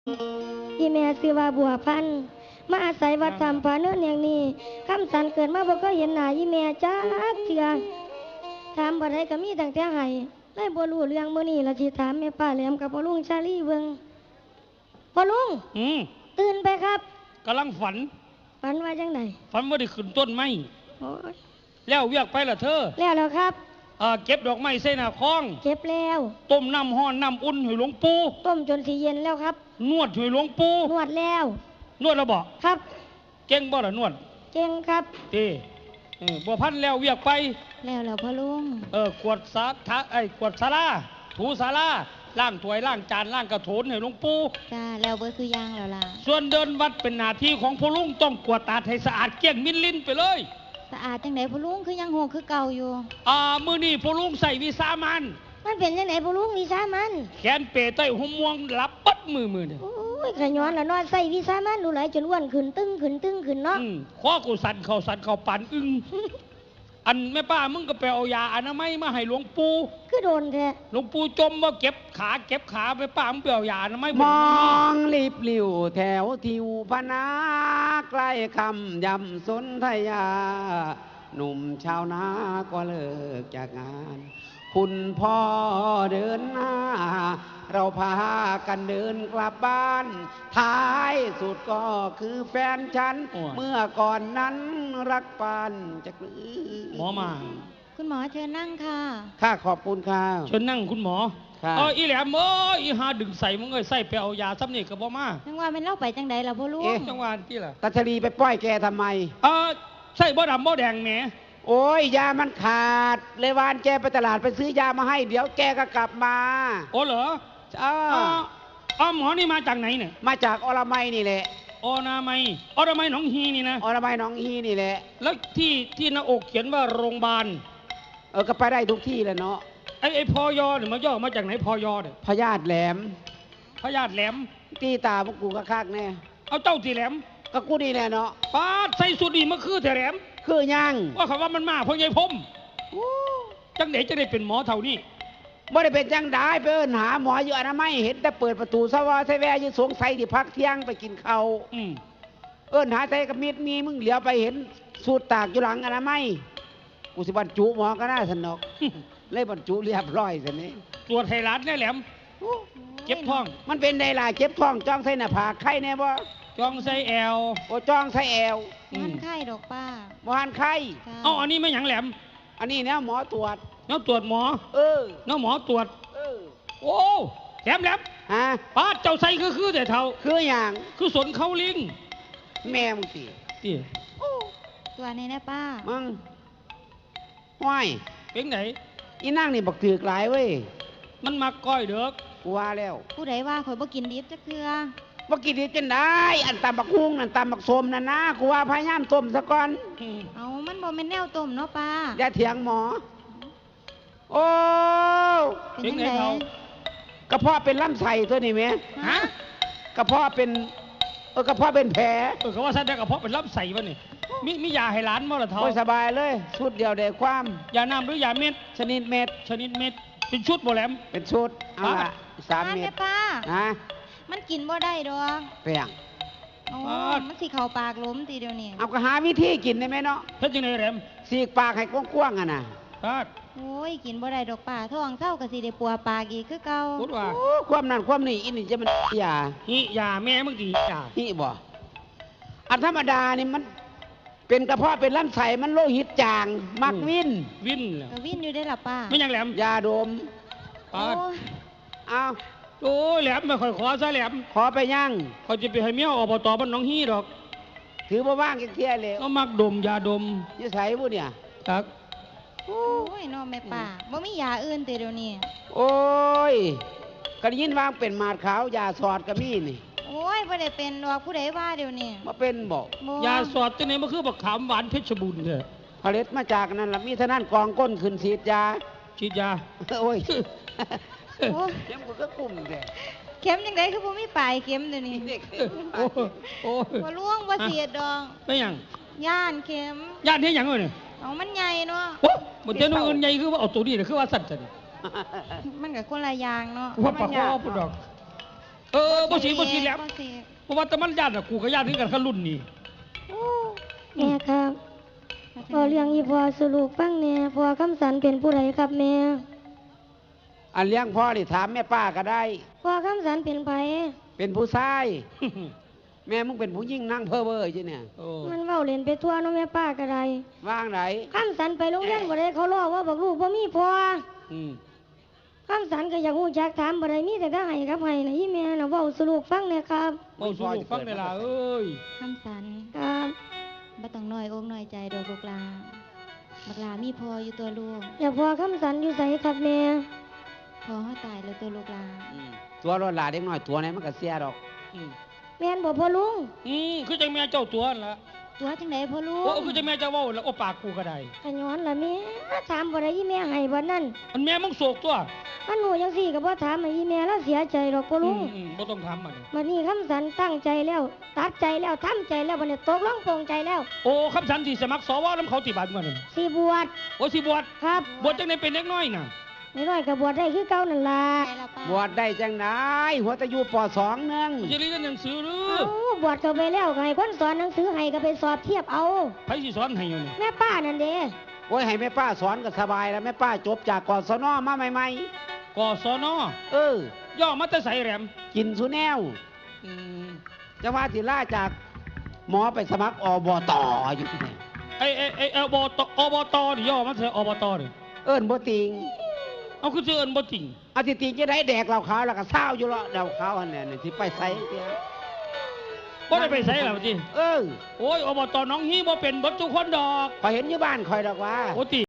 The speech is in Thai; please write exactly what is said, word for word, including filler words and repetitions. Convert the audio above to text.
อีแม่ซื้อว่าบัวพันธุ์มาอาศัยวัดธรรมพาเนินอย่างนี้คำสันเกิดมาบ่เคยเห็นหน้าอีแม่จักเทื่อถามบ่ได้ก็มีตั้งแต่ให้เลยบ่รู้เรื่องมื้อนี้ละสิถามแม่ป้าแหลมกับพ่อลุงชาลีเบิ่งพ่อลุงอืมตื่นไปครับกำลังฝันฝันว่าจังไดฝันว่าได้ขึ้นต้นไม้โอ้ยแล้วเวียกไปล่ะเธอแล้วแล้วครับอ่าเก็บดอกไม้ใส่หน้าคลองเก็บแล้วต้มน้ำห้อนน้ำอุ่นให้หลวงปู่ต้มจนสิเย็นแล้วครับนวดให้หลวงปู่นวดแล้วนวดแล้วบ่ครับเก่งบ่ล่ะนวดเก่งครับเอ้เออบ่พันแล้วเวียกไปแล้วแล้วพ่อลุงเออกวดสาทะไอ้กวดศาลาถูศาลาล้างถ้วยล้างจานล้างกระโถนให้หลวงปู่จ้าแล้วเบอร์คือย่างแล้วล่ะส่วนเดินวัดเป็นหน้าที่ของพ่อลุงต้องกวาดตาให้สะอาดเกลี้ยงมิลลินไปเลยสะอาดจังไหนพ่อลุงคือยังโหกคือเก่าอยู่อ่ามื้อนี้พ่อลุงใส่วิสามันมันเป็นจังไหนพ่อลุงวิสามันแขนเปใต้หัวม่วงหลับปัดมือมือเนี่ยโอ้ยขย้อนแล้วนอนใส่วิสามันดูไหลจนอ้วนขึ้นตึ้งขึ้นตึ้งขึ้นเนาะอืมข้อกูสั่นเข่าสั่นเข่าปั่นอึ้งอันแม่ป้ามึงก็ไปเอายาอนามัยมาให้หลวงปู่คือโดนแท้หลวงปู่จมว่าเก็บขาเก็บขาแม่ป้ามึงไปเอายาอนามัยมองรีบหลิวแถวทิวพนาใกล้คำยำสนธยาหนุ่มชาวนาก็เลิกจากงานคุณพ่อเดินหน้าเราพากันเดินกลับบ้านท้ายสุดก็คือแฟนฉันเมื่อก่อนนั้นรักปานจะกลือหมอมาคุณหมอเชิญนั่งค่ะค่ะขอบคุณค่ะเชิญนั่งคุณหมอเอออีแหลมเอ้ยอีหาดึงใส่มึงเอ้ยใส่ไปเอายาซ้ำนี่กับบ่มาจังว่ามันเล่าไปจังใดล่ะพ่อลุงจังว่าที่ล่ะตัชรีไปป้อยแกทำไมเออใส่บ่ดำบ่แดงแหมโอ้ยยามันขาดเลยวานแกไปตลาดไปซื้อยามาให้เดี๋ยวแกก็กลับมาโอ้เหรอเอออ๋อหมอนี่มาจากไหนเนี่ยมาจากอรมัยนี่แหละอนามัยอรมัยหนองฮีนี่นะอรมัยหนองฮีนี่แหละแล้วที่ที่หน้าอกเขียนว่าโรงพยาบาลเออก็ไปได้ทุกที่แหละเนาะไอ้ไอ้พอยอเนี่ยมันย่อมาจากไหนพอยอเนี่ยพญาติแหลมพญาติแหลมตีตาพวกกูก็คักแน่เอาเจ้าตีแหลมก็กูนี่แหละเนาะป้าใส่สุดดีมาคือแต่แหลมคือยังว่าคำว่ามันมาเพราะยายพมจังไหนจะได้เป็นหมอเท่านี้บ่ได้เป็นจังได้ไปเอิ้นหาหมออยู่อนามัยเห็นแต่เปิดประตูสวะใส่แวอยู่สงสัยที่พักเที่ยงไปกินข้าวเอิ้นหาใส่กับมีดมีมึงเหลียวไปเห็นสูตรตากอยู่หลังอนามัยกูสิบรรจุหมอก็น่าสนุกเลยบรรจุเรียบร้อยสินี้ตัวไทยรัฐเนี่ยแหลมเก็บท้องมันเป็นไดล่ะเก็บท้องจ้องใส่หน้าผากไข่แน่บ่จ้องใส่แอวโอ้จ้องใส่แอวมันไข้ดอกป้าบ่หันไข่เอาอันนี้ไม่หยังแหลมอันนี้เนี่ยหมอตรวจเนาะตรวจหมอเออเนาะหมอตรวจเออโอ้แหลมแหลมฮะป้าเจ้าใส่คือคือแต่เท่าคืออย่างคือสนเขาลิงแม่มึงตีตีตัวนี้นะป้ามึงห้อยเป็นไหนอีนั่งนี่บักถือกหลายเว้ยมันมาก้อยเด้อกูว่าแล้วผู้ใดว่าข่อยบ่กินดิบจักเทื่อบ่กินดิบจังได้อันตำบักฮุ้งนั่นตำบักสมนั่นนะกูว่าพยายามต้มซะก่อนเอามันบ่แม่นแนวต้มเนาะป้าอย่าเถียงหมอโอ้เป็นไงเขากระเพาะเป็นลำไส้ตัวนี้ไหมฮะกระเพาะเป็นเออกระเพาะเป็นแผลเออเขาว่าแสดงกระเพาะเป็นลำไส้วะนี่มีมียาให้ร้านมั้งหรอเท่าสบายเลยชุดเดียวเด็กความยาน้ำหรือยาเม็ดชนิดเม็ดชนิดเม็ดเป็นชุดโบแหลมเป็นชุดเอาละสามเม็ดป้าฮะมันกินบ่ได้ดอกเปียงโอ้มันสิเข่าปากล้มตีเดียวนี่เอาก็หาวิธีกินได้ไหมเนาะเฮ็ดจังได๋แหลมสีกปากให้กว้างๆอ่ะนะครับโอ้ยกินบ่ได้ดอกป้าท้องเศร้าก็สิได้ปัวปากอีกคือเก่าพูดว่าโอ้ความนั่นความนี่อินี่จะมันยาหิยาแม่มึงสิยาหิบ่อันธรรมดานี่มันเป็นกระเพาะเป็นลำไส้มันโลหิตจางมักวินวินก็วินอยู่ได้ล่ะป้าไม่ยังแหลมยาดมป้าเอาโอ้แหลมไม่ค่อยขอซะแหลมขอไปย่างเขาจะไปให้เมียอบตบ้านน้องฮีดอกถือมาว่างเที่ยเลยก็มักดมยาดมยี่ใส่บุเนี่ยครับโอ้ยน้องแม่ป้าบ่มียาอื่นแต่เดี๋ยวนี้โอ้ยกระยินวางเป็นหมาดขาวยาสอดกระมี่นี่โอ้ยบ่ได้เป็นดอกผู้ใดว่าเดี๋ยวนี้มาเป็นบอกยาสอดตัวนี้มันคือบักขามหวานเพชรบุญเถอะผลิตมาจากนั้นละมีเท่านั้นกองก้นขึ้นฉีดยาฉีดยาโอ้ยเข็มกูก็กลุ่มแกเข็มยังไงคือบ่มีปลายเข็มเดี๋ยวนี้โอ้โอ้บ่ล่วงบ่เสียดดอกไม่ยังย่านเข็มย่านเฮ็ดหยังเอ้ยเอามันใหญ่เนาะโอ้บ่เจ้าอื่นใหญ่คือว่าเอาตัวนี้คือว่าสั่นจังมันก็คนละอย่างเนาะว่าปากคอพุ่นดอกเออบ่สีบ่สีแหลมบ่สิเพราะว่าแต่มันญาติอะกูกับญาติถึงกันขั้นรุ่นนี่โอ้แม่ครับพอเลี้ยงอีพอสรุปฟังแม่พอคำสันเป็นผู้ใดครับแม่อันเลี้ยงพ่อนี่ถามแม่ป้าก็ได้พอคำสันเป็นไผเป็นผู้ชาย แม่มึงเป็นผู้ยิ่งนั่งเพ้อเบ้อใช่เนี่ยโอ้มันเว้าเล่นไปทั่วเนาะแม่ป้าก็ได้ว่างไหนคำสันไปโรงเรียนบ่ได้เขาล้อว่าบอกลูกบ่มีพ่ออืมคำสันก็อยากฮู้จักถามบ่ได้มีแต่ก็ให้กับให้นะอีแม่น่ะเว้าสรุปฟังแน่ครับเว้าสู่ลูกฟังได้ล่ะเอ้ยคำสันครับบ่ต้องน้อยอกน้อยใจดอกลูกหลาบักหลามีพออยู่ตัวลูกอย่าพอคำสันอยู่ไสครับแม่พอเฮาตายแล้วตัวลูกหลาอืมตัวรถหลาเด็กน้อยตัวไหนมันก็เสียดอกอืมแม่นบ่พ่อลุงอืมคือจังแม่เจ้าตัวนั่นล่ะตัวจังไดพ่อลูกโอ้คือจังแม่เจ้าเว้าแล้วโอ้ปากกูก็ได้ขย้อนล่ะแม่ถามบ่ได้อีแม่ให้บ่นั่นมันแม่มึงโศกตัวมันหนูจังซี่ก็บ่ถามให้อีแม่แล้วเสียใจดอกพ่ออืลุงมอืมบ่ต้องทำมันบัดนี้คำสันตั้งใจแล้ว ตัดใจแล้วทำใจแล้วบัดนี้ตกลงปลงใจแล้วโอ้คำสันที่สมัครสวน้ำเขาติบัตรมานี่สิบวชโอ้สิบวชครับบวชจังไดเป็นเด็กน้อยน่ะน้อยๆก็บวชได้คือเก่านั่นล่ะใจละป้าบวชได้จังไหนหัวตะยูปสองหนึงมึงจะเรียนหนังสือหรือเอ้าบวชเข้าไปแล้วก็ให้คนสอนหนังสือให้ก็ไปสอบเทียบเอาไผสิสอนให้อยู่นี่แม่ป้านั่นเด้โอ้ยให้แม่ป้าสอนก็สบายแล้วแม่ป้าจบจากกศนมาใหม่กศนๆเออย่อมาแต่ไสแหลมกินสุแนวอืมจะว่าสิล่าจากหมอไปสมัครอบตอยู่ที่ไหนไอ้ไอ้ไอ้อบตอบตนี่ย่อมาแต่อบตนี่เอิ้นบ่ติงเอาคือสิเอิ้นบ่จริงเอาติติงจะได้แดกเหล้าขาวแล้วก็เศร้าอยู่แล้วเหล้าขาวอันเนี้ยนี่ที่ไปใส่เตี้ยบ่ได้ไปไสล่ะว่าติเออโอ้ยอบตหน้องฮีบ่เป็นเบิดทุกคนดอกพอเห็นอยู่บ้านคอยดอกว่าโอ้ติ